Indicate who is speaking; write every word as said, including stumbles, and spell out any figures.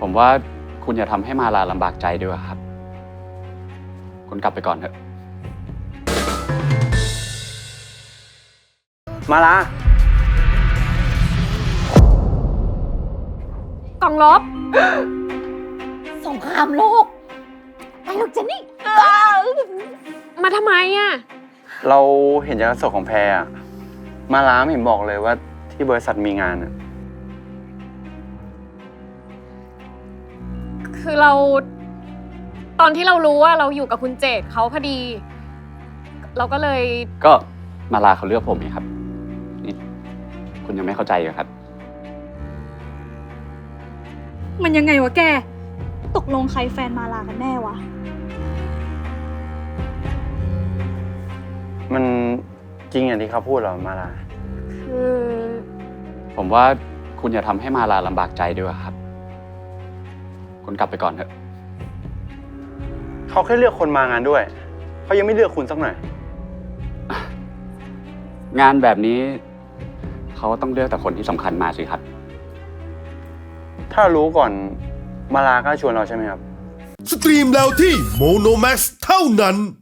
Speaker 1: ผมว่าคุณอย่าทำให้มาลาลำบากใจดีกว่าครับ คุณกลับไปก่อนเถอะ
Speaker 2: มาลา
Speaker 3: กล่องลบ
Speaker 4: สงครามโลกไปลูกเจนนี่
Speaker 3: มาทำไมอ่ะ
Speaker 2: เราเห็นจากกระสอบของแพรอะมาลาไม่เห็นบอกเลยว่าที่บริษัทมีงานอะ
Speaker 3: คือเรา ตอนที่เรารู้ว่าเราอยู่กับคุณเจตเขาพอดี เราก็เลย
Speaker 1: ก็มาลาเขาเลือกผมนี่ครับ นี่คุณยังไม่เข้าใจเหรอครับ
Speaker 5: มันยังไงวะแก ตกลงใครแฟนมาลากันแน่วะ
Speaker 2: มันจริงอย่างที่เขาพูดเหรอมาลา
Speaker 3: คือ
Speaker 1: ผมว่าคุณอย่าทำให้มาลาลำบากใจดีกว่าครับ คุณกลับไปก่อนเถอะ
Speaker 2: เขาแค่เลือกคนมางานด้วย เขายังไม่เลือกคุณสักหน่อย
Speaker 1: งานแบบนี้เขาต้องเลือกแต่คนที่สำคัญมาสิครับ
Speaker 2: ถ้ารู้ก่อนมาลาก็ชวนเราใช่ไหมครับ
Speaker 6: สตรีมแล้วที่โมโนแม็กซ์เท่านั้น